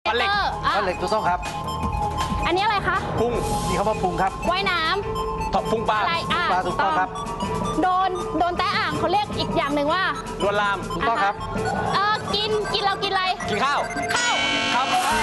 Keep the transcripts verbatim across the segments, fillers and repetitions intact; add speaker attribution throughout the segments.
Speaker 1: ฟันเหล็ก
Speaker 2: ฟันเหล็กถูกต้องครับ
Speaker 3: อันนี้อะไรคะ
Speaker 1: พุง
Speaker 2: นี่คำว่าพุงครับ
Speaker 3: ว่ายน้
Speaker 1: ำพุงปลา
Speaker 3: อะไรอ่ะ
Speaker 2: ปลาถูกต้องครับ
Speaker 3: โดนโดนแตะอ่างเขาเรียกอีกอย่างหนึ่งว่า
Speaker 1: ลวนลาม
Speaker 2: ถูกต้องครับ
Speaker 3: เออกินกินเรากินอะไร
Speaker 1: กินข้าว
Speaker 3: ข้าว
Speaker 1: ครับ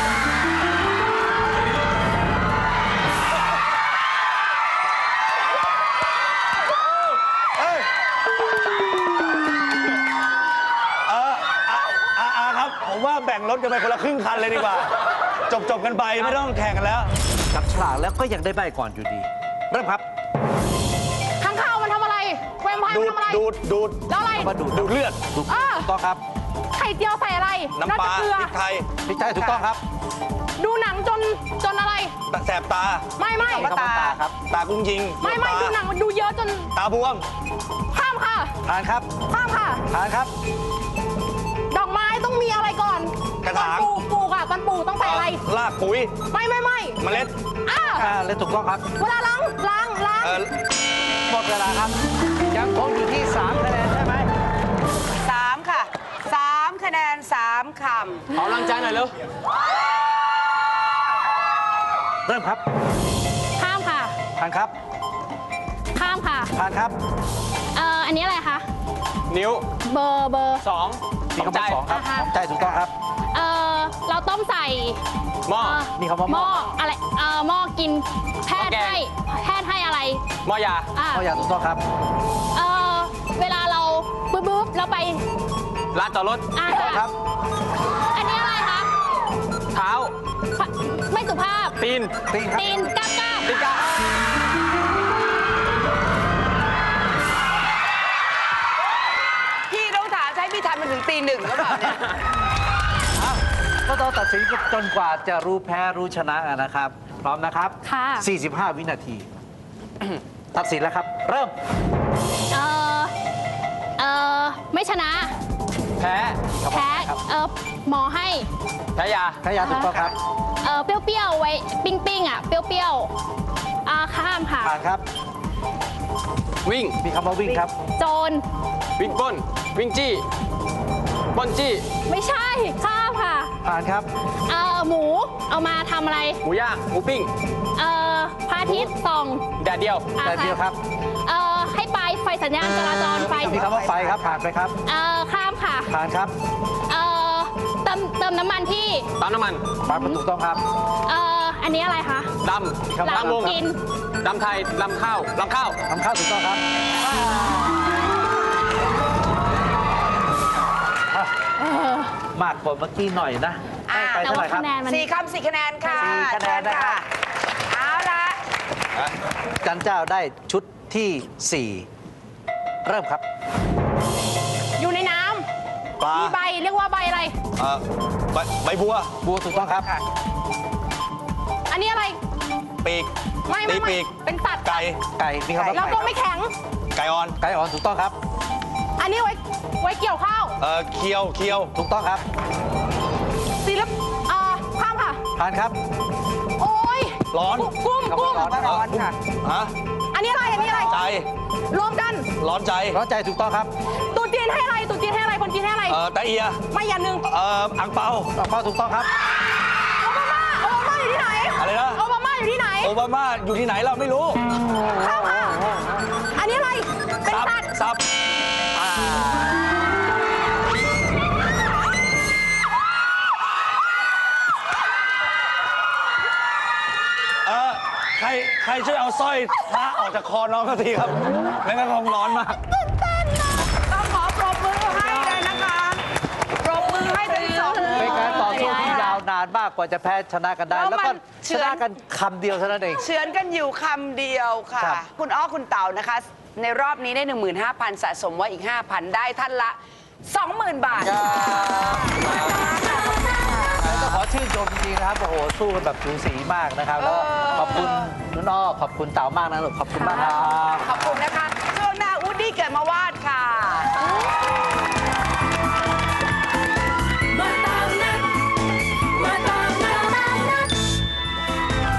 Speaker 4: ผมว่าแบ่งรถกันไปคนละครึ่งคันเลยดีกว่าจบจบกันไปไม่ต้องแข่งกันแล้ว
Speaker 2: จับฉลากแล้วก็ยังได้ใบก่อนอยู่ดีเริ่มครับ
Speaker 3: ข้างข้าวมันทำอะไรแวมไพร์มันทำอะไร
Speaker 4: ดูดดูด
Speaker 3: แล้วอะไร
Speaker 2: มาดูด
Speaker 4: ดูดเลือด
Speaker 2: ถูกต้องครับ
Speaker 3: ไข่เจียวใส่อะไร
Speaker 4: น้ำปลาพริกไทย
Speaker 2: พริกไทยถูกต้องครับ
Speaker 3: ดูหนังจนจนอะไร
Speaker 4: แสบตา
Speaker 3: ไม่ไม่
Speaker 2: ตาครับ
Speaker 4: ตากุ้งยิง
Speaker 3: ไม่ไม่ดูหนังมันดูเยอะจน
Speaker 4: ตาบวม
Speaker 3: ข้ามค่ะ
Speaker 2: ผ่านครับ
Speaker 3: ข้ามค่ะ
Speaker 2: ผ่านครับ
Speaker 3: ดอกไม้ต้องมีอะไรก่อน
Speaker 4: กระถาง
Speaker 3: ปลูกปลูกอ่ะตอนปลูกต้องใส่อะไร
Speaker 4: รากปุ๋ย
Speaker 3: ไม่ไม่ไม่
Speaker 4: เมล็ด
Speaker 3: อ่า
Speaker 2: เมล็ดถูกต้องครับ
Speaker 3: เวลาล้างล้างล้าง
Speaker 2: หมดเวลาครับยังคงอยู่ที่สามคะแนนใช่ไหม
Speaker 5: สามค่ะสามคะแนนสามค
Speaker 1: ำขอกำลังใจหน่อยเร็ว
Speaker 2: เริ่มครับ
Speaker 3: ข้ามค่ะ
Speaker 2: ผ่านครับ
Speaker 3: ข้ามค่ะ
Speaker 2: ผ่านครับ
Speaker 3: เอ่ออันนี้อะไรคะ
Speaker 1: นิ้ว
Speaker 3: เบอร์เบอร์
Speaker 1: สอง
Speaker 2: มีคำว่าสองครับใจถูกต้องครับ
Speaker 3: เออเราต้มใส่
Speaker 1: หม้อ
Speaker 2: มีคำว่าหม้อ
Speaker 3: อะไรเออหม้อกินแพทย์ให้แพทย์ให้อะไร
Speaker 1: หม้อยา
Speaker 2: หม้อยาถูกต้องครับ
Speaker 3: เออเวลาเราบึ๊บบึ๊บเราไป
Speaker 1: ลานจอดรถ
Speaker 3: อ่า
Speaker 2: ครับ
Speaker 3: อันนี้อะไรคะ
Speaker 1: เท้า
Speaker 3: ไม่สุภาพ
Speaker 1: ตีน
Speaker 2: ตีน
Speaker 3: ตีนก้าก้า
Speaker 1: ตีนก้า
Speaker 5: พี่ต้องถามใช้พี่ทันมันถึงตีหนึ่งหรือเปล่าเนี่ย
Speaker 2: ก็ต้องตัดสินจนกว่าจะรู้แพ้รู้ชนะนะครับพร้อมนะครับ
Speaker 3: ค่ะ
Speaker 2: สี่สิบห้าวินาทีตัดสินแล้วครับเริ่ม
Speaker 3: เออเออไม่ชนะ
Speaker 1: แพ้
Speaker 3: แพ้เออหมอให้
Speaker 1: แพ้ยา
Speaker 2: แพ้ยาถูกต้องครับ
Speaker 3: เออเปรี้ยวๆไว้ปิ้งปิ้งอ่ะเปรี้ยวๆอ่าข้ามค่ะ
Speaker 2: ผ่านครับ
Speaker 1: วิ่ง
Speaker 2: มีคำว่าวิ่งครับ
Speaker 3: โจร
Speaker 1: วิ่งปล้นวิ่งจี้ปล้นจี้
Speaker 3: ไม่ใช่ข้ามค่ะ
Speaker 2: ผ่านครับ
Speaker 3: เออหมูเอามาทำอะไร
Speaker 1: หมูย่างหมูปิ้ง
Speaker 3: เออพระอาทิตย์ส่อง
Speaker 1: แดดเดียว
Speaker 2: แดดเดียวครับ
Speaker 3: เออให้ไปไฟสัญญาณจราจรไฟ
Speaker 2: มีคำว่าไฟครับผ่านไปครับ
Speaker 3: เออข้ามค่ะ
Speaker 2: ผ่านครับ
Speaker 3: เออเติมเติมน้ำมันที่
Speaker 1: ปั๊มน้ำมัน
Speaker 2: ปั๊มถูกต้องครับ
Speaker 3: เอออันนี้อะไรคะ
Speaker 1: ดำดำวง
Speaker 3: กิน
Speaker 1: ดำไทยดำข้าวดำข้าว
Speaker 2: ดำข้าวถูกต้องครับมากกว่าเมื่อกี้หน่อยนะไปเท่าไหร่ครับ
Speaker 5: สี่คำสี่คะแนนค่ะ
Speaker 2: สี่คะแนนนะครับ
Speaker 5: เอาละ
Speaker 2: จันเจ้าได้ชุดที่สี่เริ่มครับ
Speaker 3: อยู่ในน้ำปลามีใบเรียกว่าใบอะไร
Speaker 4: ใบใบบัว
Speaker 2: บัวถูกต้องครับ
Speaker 3: อันนี้อะไร
Speaker 4: ปีก
Speaker 3: ไม่ไม่
Speaker 4: ปีก
Speaker 3: เป็นสัตว์
Speaker 4: ไก่
Speaker 2: ไก่มีคำว่า
Speaker 3: แล้วก็ไม่แข็ง
Speaker 4: ไก่อ่อน
Speaker 2: ไก่อ่อนถูกต้องครับ
Speaker 3: อันนี้ไว้ไว้เกี่ยวข้าว
Speaker 4: เออเคียวเคียว
Speaker 2: ถูกต้องครับ
Speaker 3: ศิลปอ่าข้ามค่ะ
Speaker 2: ผ่านครับ
Speaker 3: โอ้ย
Speaker 4: ร้อน
Speaker 3: กุ้งกุ้ง
Speaker 5: ร้อนค่ะ
Speaker 4: ฮะ
Speaker 3: อันนี้อะไรอันนี้อะไร
Speaker 4: ใจ
Speaker 3: รวมกัน
Speaker 4: ร้อนใจ
Speaker 2: ร้อนใจถูกต้องครับ
Speaker 3: ตุ๊จีนให้อะไรตุ๊จีนให้อะไรคนจีนให้อะไร
Speaker 4: เออตะเอีย
Speaker 3: ไม่อย่างหนึ่ง
Speaker 4: เอออังเปา
Speaker 2: อังเปาถูกต้องครับ
Speaker 3: โอบามาโอบามาอยู่ที่ไหน
Speaker 4: อะไรนะ
Speaker 3: โอบามาอยู่ที่ไหน
Speaker 4: โอบามาอยู่ที่ไหนเราไม่รู้
Speaker 3: ข้ามค่ะอันนี้อะไรเป็นสัตว์
Speaker 4: ซับใครใครช่วยเอาสร้อยพระออกจากคอน้องก็ทีครับไม่งั้นคงร้อนมาก
Speaker 5: ต้องขอปรบมือให้เลยนะคะปรบมือให้ทั้งสอง
Speaker 2: เป็นการต่อสู้ที่ยาวนานมากกว่าจะแพ้ชนะกันได้แล้วก็ชนะกันคำเดียวเท่านั้นเอง
Speaker 5: เฉือนกันอยู่คำเดียวค่ะคุณอ้อคุณเต่านะคะในรอบนี้ได้ หนึ่งหมื่นห้าพัน สะสมไว้อีก ห้าพัน ได้ท่านละ สองหมื่น บาท
Speaker 2: ต้องขอชื่นชมจริงๆนะครับโอ้โหสู้กันแบบสูสีมากนะครับแล้วขอบคุณนุ่นอ้อขอบคุณเต่ามากนะลูกขอบคุณมากครับ
Speaker 5: ขอบคุณนะคะช่วงหน้าอูดดี้เกิดมาวาดค่ะ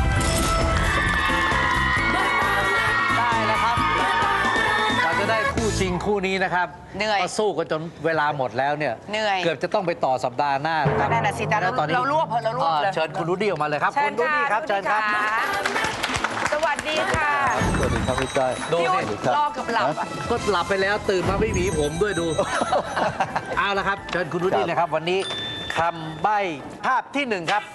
Speaker 2: ได้แล้วครับเราจะได้คู่ริง ๆ คู่นี้นะครับ
Speaker 5: เหนื่อย
Speaker 2: ก็สู้กันจนเวลาหมดแล้วเนี่ย
Speaker 5: เหนื่อย
Speaker 2: เกือบจะต้องไปต่อสัปดาห์หน้านะครับ
Speaker 5: นั่นน่ะสิแต่เรา
Speaker 2: แล้วตอนนี้
Speaker 5: เรารวบเรารวบเลย
Speaker 2: อ่าเชิญคุณรูดี้ออกมาเลยครับ
Speaker 5: เชิ
Speaker 2: คุ
Speaker 5: ญ
Speaker 2: ณรูดี้ครับ
Speaker 5: ะ
Speaker 2: เชิญครับ
Speaker 5: สวัสดีค่ะ
Speaker 6: สวัสดีครับพี่จ้อย
Speaker 2: ดู
Speaker 5: พี่
Speaker 2: สิ
Speaker 5: อุ๊ดรอเกับหลับอะ
Speaker 2: ก็หลับไปแล้วตื่นมาไม่หวีผมด้วยดู เอาละครับเชิญคุณรูดี้เลยครับ วันนี้คำใบ้ภาพที่หนึ่งครับ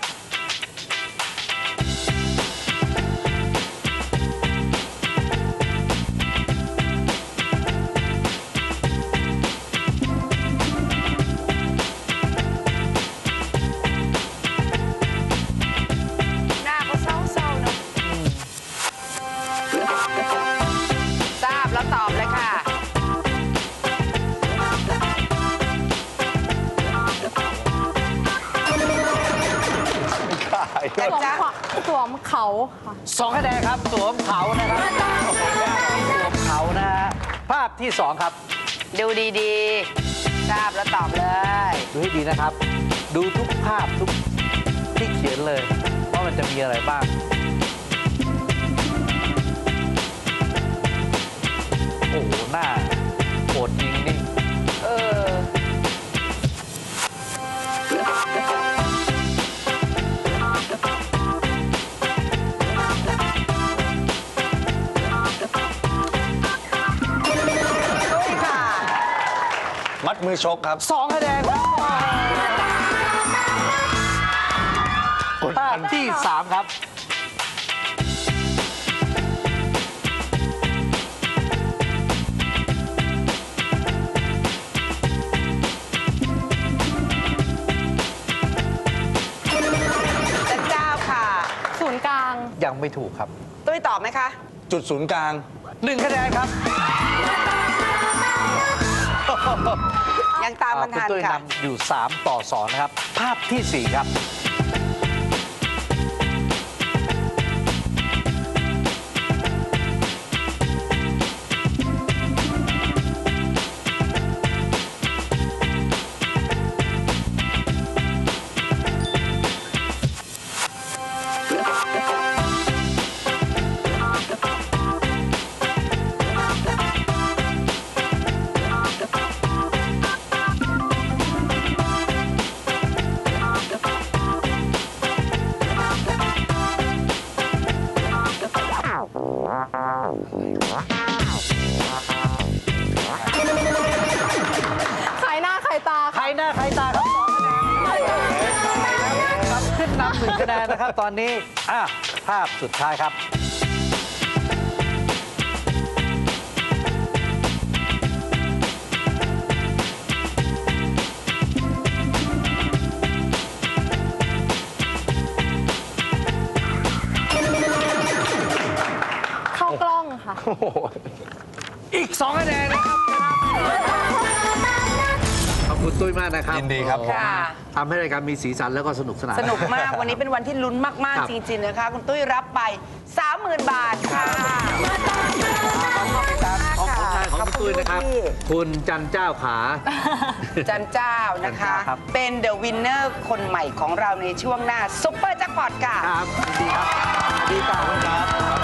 Speaker 5: หน้าเขาเศร้าๆเนอะทราบแล้วตอบเลยค่ะ
Speaker 3: สวมขวาสวมเขาค่ะ
Speaker 2: สองคะแนนครับสวมเขานะครับสวมเขานะฮะภาพที่สองครับ
Speaker 5: ดูดีๆ ทราบแล้วตอบเลย
Speaker 2: ดูให้ดีนะครับ ดูทุกภาพทุกที่เขียนเลยว่ามันจะมีอะไรบ้าง โอ้โห หน้าโหดจริงนี่
Speaker 5: เออ
Speaker 4: มัดมือชกครับ
Speaker 2: สองคะแนนครับภาพที่สามครับ
Speaker 5: จันเจ้าค่ะ
Speaker 3: ศูนย์กลาง
Speaker 2: ยังไม่ถูกครับ
Speaker 5: ตุ้ยตอบไหมคะ
Speaker 4: จุดศูนย์กลาง
Speaker 2: หนึ่งคะแนนครับ
Speaker 5: ยังตามมัน
Speaker 2: คุณ
Speaker 5: ทัน
Speaker 2: ตุ้ย
Speaker 5: ค่ะ
Speaker 2: นำอยู่สามต่อสองนะครับ ภาพที่สี่ครับ
Speaker 3: ขายหน้าขายตา
Speaker 2: ใครหน้าใครตาครับครับขึ้นนำหนึ่งคะแนนนะครับ ตอนนี้อ่ะภาพสุดท้ายครับ
Speaker 3: เข้ากล้องค่ะ
Speaker 2: อีกสองคะแนนนะครับขอบคุณตุ้ยมากนะครับ
Speaker 4: ยินดีครับ
Speaker 5: ค่ะ
Speaker 2: ทำให้รายการมีสีสันแล้วก็สนุกสนาน
Speaker 5: สนุกมาก วันนี้เป็นวันที่ลุ้นมาก
Speaker 2: ครับ
Speaker 5: ๆ จริง ๆ นะคะ คุณตุ้ยรับไป สามหมื่น บาทค่ะ
Speaker 2: ของของชายของคุณตุ้ยนะครับ คุณจันเจ้าขา
Speaker 5: จันเจ้านะคะ
Speaker 2: จันเจ้าครับ
Speaker 5: เป็นเดอะวินเนอร์คนใหม่ของเราในช่วงหน้าซุปเปอร์แจ็คพอตค่ะ
Speaker 2: ครับยินดีครับดีต่อครับ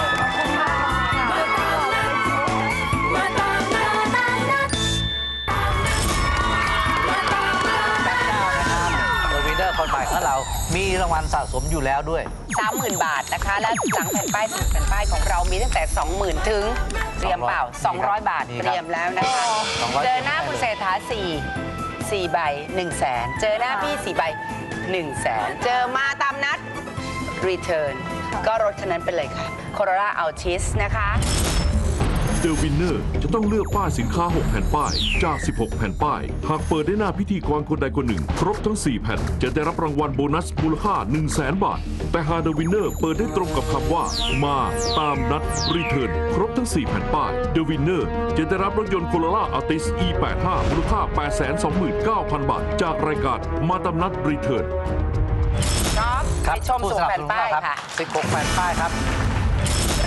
Speaker 2: เดอะวินเนอร์คนใหม่ของเรา มีรางวัลสะสมอยู่แล้วด้วย
Speaker 5: สามหมื่น บาทนะคะ และหลังแผ่นป้ายสิบแผ่นป้ายของเรามีตั้งแต่ สองหมื่น ถึงเตรียมเปล่า สองร้อย บาท
Speaker 2: มีครับ
Speaker 5: เตรียมแล้วนะคะ
Speaker 2: สองร้อย
Speaker 5: เจอหน้าคุณเศรษฐาสี่ สี่ใบหนึ่งแสนเจอหน้าพี่สี่ใบหนึ่งแสนเจอมาตามนัด รีเทิร์นก็รถคันนั้นไปเลยค่ะ Corolla Altis นะคะ
Speaker 7: เดอะวินเนอร์จะต้องเลือกป้ายสินค้า หก แผ่นป้าย จาก สิบหก แผ่นป้าย หากเปิดได้หน้าพิธีกรคนใดคนหนึ่ง ครบทั้ง สี่ แผ่น จะได้รับรางวัลโบนัสมูลค่า หนึ่งแสน บาท แต่หากเดอะวินเนอร์เปิดได้ตรงกับคำว่า มาตามนัด รีเทิร์นครบทั้ง สี่ แผ่นป้ายเดอะวินเนอร์จะได้รับรถยนต์ Corolla Altis อี แปดสิบห้า มูลค่า แปดแสนสองหมื่นเก้าพัน บาท จากรายการมาตามนัด รีเทิร์น
Speaker 5: ครับ
Speaker 2: ครับ
Speaker 5: ไปชม
Speaker 2: ผู้
Speaker 5: สู่
Speaker 2: สนับ
Speaker 5: แผ่
Speaker 2: ส
Speaker 5: น
Speaker 2: นุน
Speaker 5: ป้าย
Speaker 2: เราครับ
Speaker 5: ค่ะ
Speaker 2: สิบหก แผ่นป้ายครับ
Speaker 5: เริ่ม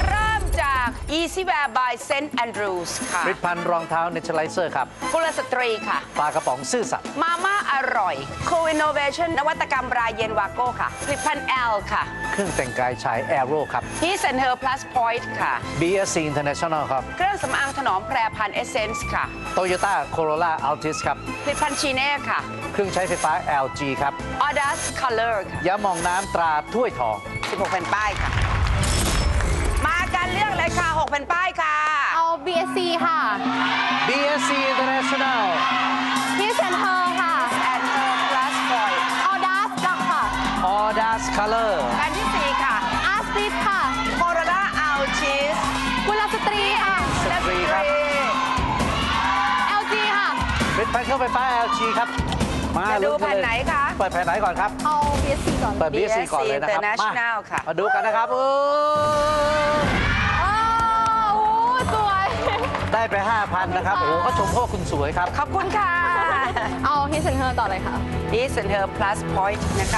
Speaker 5: จาก Easy Wear by Saint Andrews ค่ะ
Speaker 2: ผลิตภัณฑ์รองเท้าเนเชอร์ไลเซอร์ครับ
Speaker 5: กุลสตรีค่ะ
Speaker 2: ปลากระป๋องซื่อสัตย์
Speaker 5: มาม่าอร่อย Co Innovation นวัตกรรมรายเย็นวาโก้ค่ะผลิตภัณฑ์ L ค่ะ
Speaker 2: เครื่องแต่งกายชายแอโร่ครับ
Speaker 5: His and Her Plus Point ค่ะ
Speaker 2: บี เอส ซี International ครับ
Speaker 5: เครื่องสำอางถนอมแพรพันธุ์ Essence ค่ะ
Speaker 2: Toyota Corolla Altis ครับ
Speaker 5: ผลิตภัณฑ์ชีเน่ค่ะ
Speaker 2: เครื่องใช้ไฟฟ้า แอล จี ครับ
Speaker 5: Audace Color ค่ะ
Speaker 2: ยาหมองน้ำตราถ้วยทอง
Speaker 5: สิบหกแผ่นป้ายค่ะ มากันเรื่องเลยค่ะหกแผ่นป้ายค่ะ
Speaker 3: เอา บี เอส ซี ค่ะ
Speaker 2: บี เอส ซี International
Speaker 3: His and Her ค่ะ
Speaker 5: and Her Plus Point
Speaker 3: Audace ค่ะ
Speaker 2: Audace Color
Speaker 5: แผ่นที่สี่ค่ะ
Speaker 3: Artist ค่ะ
Speaker 5: Corolla Altis
Speaker 3: กุลสตรีค่ะ
Speaker 2: สตรีครับ
Speaker 3: แอล จี ค่ะ
Speaker 2: ผลิตภัณฑ์เครื่องไฟฟ้า แอล จี ครับ มา
Speaker 5: จะดู
Speaker 2: ลุ้กั
Speaker 5: แผ่น
Speaker 2: เลย
Speaker 5: ไหนคะ
Speaker 2: เปิดแผ่นไหนก่อนครับ
Speaker 3: เอา บี เอส ซี ก่อน
Speaker 2: เปิด บี เอส ซี ก่อนเลยนะครับ
Speaker 5: International ค่ะ
Speaker 2: มาดูกันนะครับโอ้
Speaker 3: อ้าวโอ้สวย
Speaker 2: ได้ไป ห้าพัน นะครับ โอ้โหก็ชมเพราะว่าคุณสวยครับ
Speaker 5: ขอบคุณค่ะ
Speaker 3: เอา His and Her ต่อเลยค่ะ
Speaker 5: His and Her Plus Point นะคะ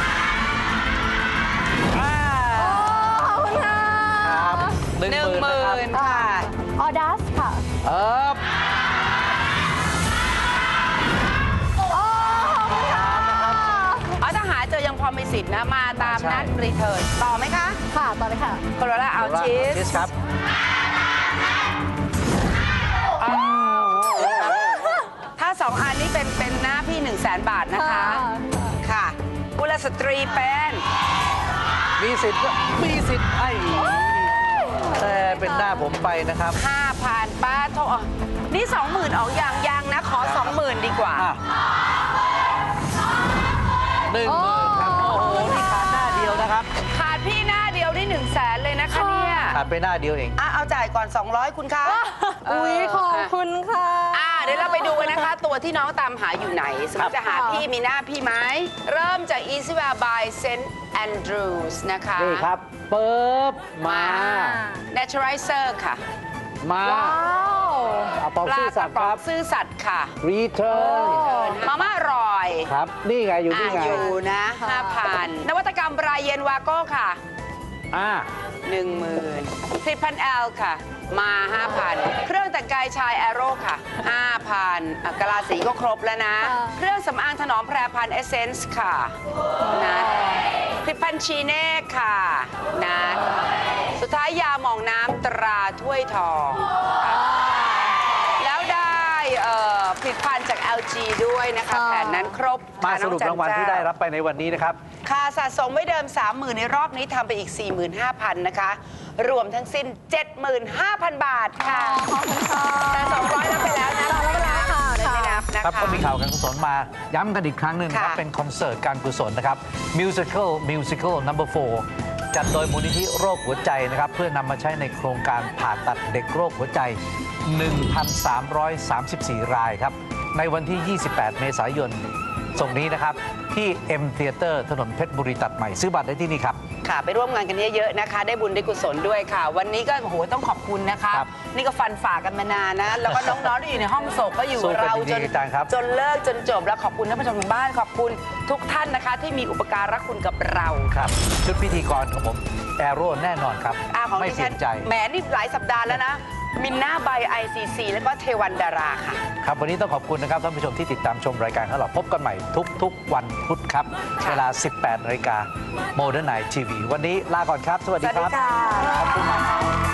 Speaker 2: อ่า
Speaker 3: ขอบคุณค่ะ
Speaker 2: ครับหนึ่ง
Speaker 5: หนึ่
Speaker 2: ห
Speaker 5: ง
Speaker 2: มื่น
Speaker 5: ห
Speaker 2: นะ
Speaker 5: มื่
Speaker 2: ครับ
Speaker 5: นค่ะ
Speaker 3: Audace ค่ะ
Speaker 2: เออ
Speaker 3: โอ้ขอบคุณค่ะ
Speaker 5: เอาถ้าหาเจอยังพอมีสิทธิ์นะ มาตามนัดรีเทิร์นต่อไหมคะ
Speaker 3: ค่ะ ต่อเลยค่ะ
Speaker 5: Corolla Altis
Speaker 2: ชิสครับ
Speaker 5: ถ้าสองอันนี้เป็นเป็นหน้าพี่1 0 0 0 0แสนบาทนะคะ ค่ะกุลสตรีเป็น
Speaker 2: มีสิทธิ์ก็มีสิทธิ์ไอ้แต่เป็นหน้าผมไปนะครับ
Speaker 5: 5,000ป้าโทษนี่ 20,000 ออกอย่างยังนะ ขอ 20,000 ดีกว่า
Speaker 2: อ่ะหนึ่งหมื่นครับ โอ้โห นี่ขาดหน้าเดียวนะครับ
Speaker 5: ขาดพี่หน้าเดียวนี่1 0 0 0 0แสนเลยนะคะเนี่ย
Speaker 2: ขาดไปหน้าเดียวเอง
Speaker 5: อ่ะเอาจ่ายก่อน สองร้อย คุณคะ
Speaker 3: อุ้ยขอบคุณค่ะ
Speaker 5: อ่ะเดี๋ยวเราไปดูกันนะคะ ตัวที่น้องตามหาอยู่ไหน สมมติจะหาพี่มีหน้าพี่ไหม เริ่มจาก Easy Wear by Saint Andrews นะคะ
Speaker 2: นี่ครับเปิบมา
Speaker 5: Naturalizer ค่ะ
Speaker 2: มา
Speaker 3: ว้าว
Speaker 2: เอาปอง
Speaker 5: ปลา
Speaker 2: ซื่อก สั
Speaker 5: ระ
Speaker 2: ตย์
Speaker 5: ป๋
Speaker 2: ค
Speaker 5: อง
Speaker 2: รับ
Speaker 5: ซื่อสัตย์ค่ะ
Speaker 2: Return
Speaker 5: มาม่าอร่อย
Speaker 2: ครับ นี่ไงอยู่
Speaker 5: อ่ะ
Speaker 2: นี่ไง
Speaker 5: อยู่นะ
Speaker 3: ค่ะ
Speaker 5: ห้าพัน นวัตกรรมรายเย็นวาโก้ค่ะ
Speaker 2: อ่า
Speaker 5: หนึ่งหมื่นผลิตภัณฑ์แอลค่ะ มา ห้าพัน เครื่องแต่งกายชายแอโร่ค่ะ ห้าพันอ่ะกะลาสีก็ครบแล้วนะ
Speaker 3: ค่ะ
Speaker 5: เครื่องสำอางถนอมแพรพันธุ์เอเซนส์ค่ะนะผลิตภัณฑ์ชีเน่ค่ะนะสุดท้ายยาหมองน้ำตราถ้วยทองค่ะแล้วได้เอ่อผลิตภัณฑ์จาก แอล จี ด้วยนะคะ
Speaker 3: ค่ะ
Speaker 5: แผนนั้นครบ
Speaker 2: มา
Speaker 5: ค่ะ
Speaker 2: สรุป
Speaker 5: น้อ
Speaker 2: รางวัล
Speaker 5: จัน
Speaker 2: ที่
Speaker 5: เจ้
Speaker 2: ได้รับไปในวันนี้นะครับ
Speaker 5: ค่าสะสมไว้เดิม สามหมื่น ในรอบนี้ทำไปอีก สี่หมื่นห้าพัน นะคะ รวมทั้งสิ้น เจ็ดหมื่นห้าพัน บาทค่ะ
Speaker 3: ขอบคุณค่ะ
Speaker 5: แต่สองร้อยนับไปแล้วนะ
Speaker 3: สองร้อยนับไปแล้วค่ะ
Speaker 5: ไม่นับนะ
Speaker 2: ครับ
Speaker 5: คะ
Speaker 2: ก็มีข่าวการกุศลมาย้ำกันอีกครั้งหนึ่งนะครับ
Speaker 5: ค่ะ
Speaker 2: เป็นคอนเสิร์ตการกุศลนะครับ Musical Musical Number โฟร์ จัดโดยมูลนิธิโรคหัวใจนะครับ เพื่อนำมาใช้ในโครงการผ่าตัดเด็กโรคหัวใจ หนึ่งพันสามร้อยสามสิบสี่ รายครับ ในวันที่ ยี่สิบแปด เมษายนส่งนี้นะครับ ที่ M Theater ถนนเพชรบุรีตัดใหม่ ซื้อบัตรได้ที่นี่ครับ
Speaker 5: ค่ะ ไปร่วมงานกันเยอะๆนะคะ ได้บุญได้กุศลด้วยค่ะ วันนี้ก็โอ้โหต้องขอบคุณนะคะ
Speaker 2: ครับ
Speaker 5: นี่ก็ฟันฝ่ากันมานานนะ แล้วก็น้องๆที่อยู่ในห้องโศกก็อยู่
Speaker 2: สู้กัน
Speaker 5: เรา
Speaker 2: จริ
Speaker 5: จ
Speaker 2: ง
Speaker 5: น
Speaker 2: ๆอาจารย์ครับ
Speaker 5: จนเลิกจนจบแล้วขอบคุณท่านผู้ชมทางบ้านขอบคุณทุกท่านนะคะ ที่มีอุปการะคุณกับเรา
Speaker 2: ครับชุดพิธีกรของผมแอโร่แน่นอนครับ
Speaker 5: อ่าของ
Speaker 2: ไม่
Speaker 5: ดิ
Speaker 2: เปลี่
Speaker 5: ฉั
Speaker 2: ย
Speaker 5: น
Speaker 2: นใจ
Speaker 5: แหมนี่หลายสัปดาห์แล้วนะ มินนาบาย ไอ ซี ซี แล้วก็เทวันดาราค่ะ
Speaker 2: ครับวันนี้ต้องขอบคุณนะครับท่านผู้ชมที่ติดตามชมรายการของเราพบกันใหม่ทุกๆวันพุธครับ
Speaker 5: ค่ะ
Speaker 2: เวลา สิบแปดนาฬิกา Modern Night ที วี วันนี้ลาก่อนครับ สวัส
Speaker 5: ส
Speaker 2: ดี
Speaker 5: วัส
Speaker 2: ค
Speaker 5: ดี
Speaker 2: รับ
Speaker 5: ค่ะ
Speaker 2: ขอบคุณมากครับ